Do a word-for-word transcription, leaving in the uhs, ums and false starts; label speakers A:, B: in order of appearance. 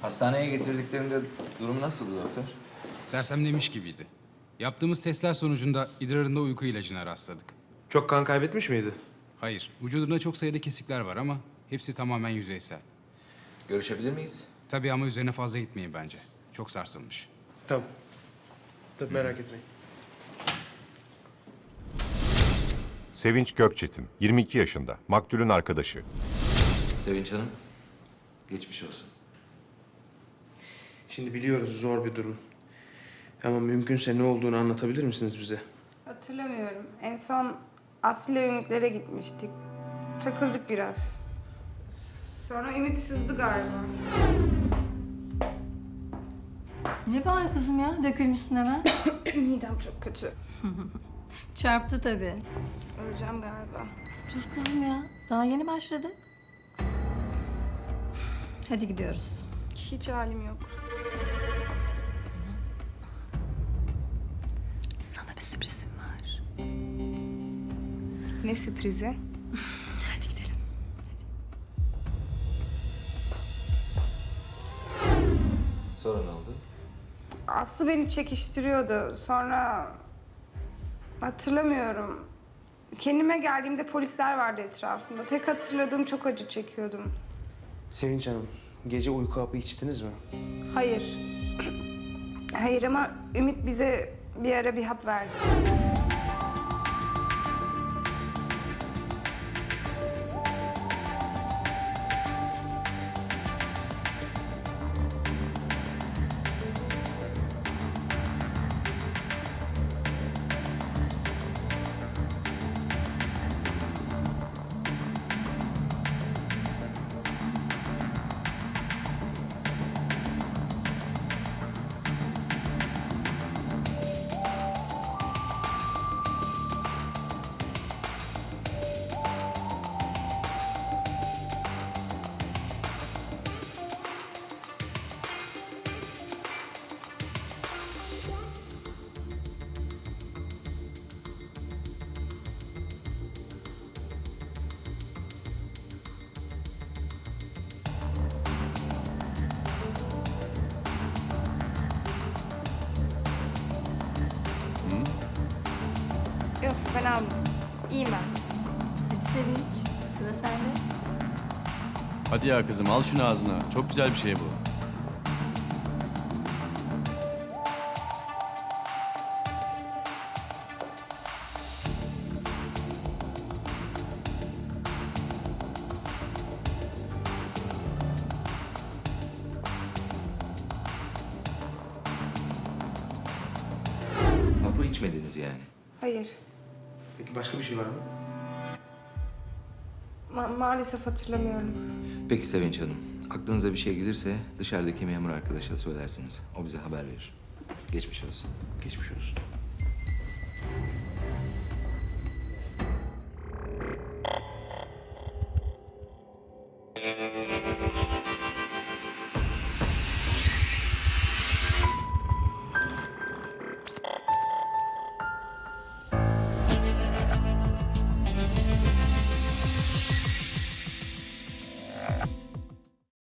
A: Hastaneye getirdiklerinde durum nasıldı doktor?
B: Sersemlemiş gibiydi. Yaptığımız testler sonucunda idrarında uyku ilacına rastladık.
C: Çok kan kaybetmiş miydi?
B: Hayır, vücudunda çok sayıda kesikler var ama hepsi tamamen yüzeysel.
A: Görüşebilir miyiz?
B: Tabii ama üzerine fazla gitmeyin bence. Çok sarsılmış.
C: Tamam. Tabii merak etmeyin.
D: Sevinç Gökçetin, yirmi iki yaşında, maktulün arkadaşı.
A: Sevinç Hanım, geçmiş olsun.
C: Şimdi biliyoruz zor bir durum. Ama mümkünse ne olduğunu anlatabilir misiniz bize?
E: Hatırlamıyorum. En son Aslı ile Ümit'lere gitmiştik. Takıldık biraz. Sonra Ümit sızdı galiba.
F: Ne var kızım ya? Dökülmüşsün hemen.
E: Midem çok kötü.
F: Çarptı tabii.
E: Öleceğim galiba.
F: Dur kızım ya. Daha yeni başladık. Hadi gidiyoruz.
E: Hiç halim yok.
F: Sana bir sürprizim var.
E: Ne sürprizi?
F: Hadi gidelim.
A: Sonra ne oldu?
E: Aslı beni çekiştiriyordu. Sonra hatırlamıyorum. Kendime geldiğimde polisler vardı etrafımda. Tek hatırladığım çok acı çekiyordum.
C: Sevinç Hanım, gece uyku hapı içtiniz mi?
E: Hayır. Hayır ama Ümit bize bir ara bir hap verdi. Yok ben almadım. İyiyim ben.
F: Hadi Sevinç. Sıra sende.
G: Hadi ya kızım al şunu ağzına. Çok güzel bir şey bu.
A: Hapı içmediniz yani.
E: Hayır.
C: Peki başka bir şey var mı?
E: Ma- maalesef hatırlamıyorum.
A: Peki Sevinç Hanım, aklınıza bir şey gelirse dışarıdaki memur arkadaşa söylersiniz. O bize haber verir. Geçmiş olsun.
C: Geçmiş olsun.